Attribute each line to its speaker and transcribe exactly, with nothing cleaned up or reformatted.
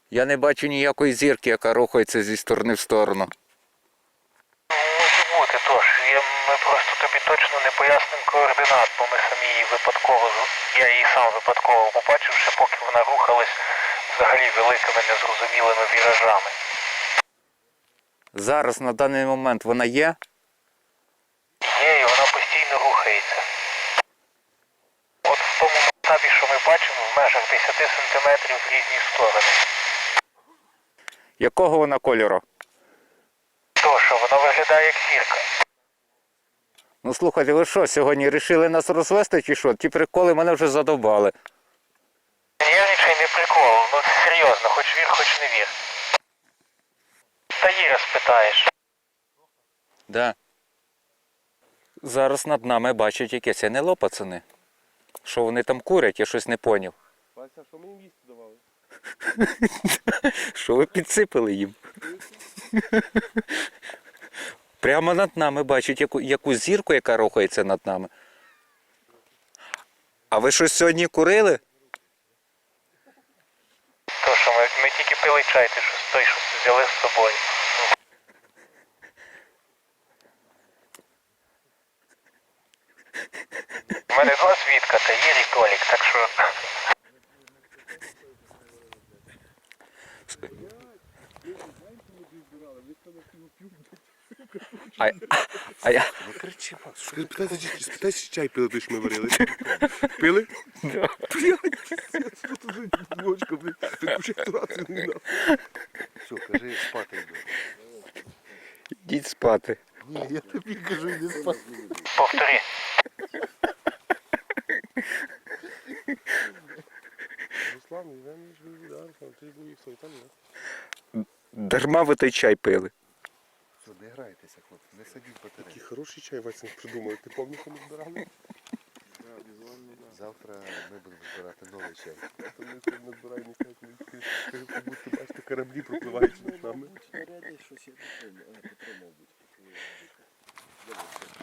Speaker 1: Я не бачу ніякої зірки, яка рухається зі сторони в сторону.
Speaker 2: Може бути, тож. Я, ми просто тобі точно не пояснимо координат, бо ми самі її випадково, я її сам випадково побачив, ще поки вона рухалась взагалі великими незрозумілими віражами.
Speaker 1: Зараз, на даний момент, вона є?
Speaker 2: Є, і вона постійно рухається. От в тому масштабі, що ми бачимо, в межах десяти сантиметрів в різні сторони.
Speaker 1: Якого вона кольору?
Speaker 2: То, що вона виглядає як зірка.
Speaker 1: Ну слухайте, ви що, сьогодні вирішили нас розвести чи що? Ті приколи мене вже задовбали.
Speaker 2: Нервничай, не прикол, ну серйозно, хоч вір, хоч не вір. Та Іра спитаєш.
Speaker 1: Да. Зараз над нами бачать якесь НЛО, пацани. Що вони там курять, я щось не поняв.
Speaker 3: Вася, що ми їм їсти давали?
Speaker 1: Що ви підсипали їм? Прямо над нами бачать яку, якусь зірку, яка рухається над нами. А ви щось сьогодні курили?
Speaker 2: То, що ми, ми тільки пили чай, ти що той, що взяли з собою. У мене два свідка, та Ір і Толік, так що...
Speaker 1: А, а я...
Speaker 3: Не кричи, Макс. Спитайся, спитайся, чи чай пили, той, що ми варили. Пили?
Speaker 1: Да.
Speaker 3: Блядь, що тут за дівочка, блядь, таку ж рацію не дав. Все, кажи, спати йду.
Speaker 1: Йдіть спати.
Speaker 3: Ні, я тобі кажу, йди спати.
Speaker 2: Повтори.
Speaker 3: Руслан, я не живу, да, Руслан, ти був їх там, да?
Speaker 1: Дарма ви той чай пили.
Speaker 4: Що, не грайтеся, хлопці, не садіть батареї.
Speaker 3: Такий хороший чай, Вася, придумали. Ти пам'ятаєш, що ми збирали?
Speaker 4: Завтра ми будемо збирати новий чай.
Speaker 3: То ми тут не збираємо чай, коли скажи, побудьте, бачите, кораблі пропливають над нами.
Speaker 5: Щось я не помню. А, Петро, мабуть.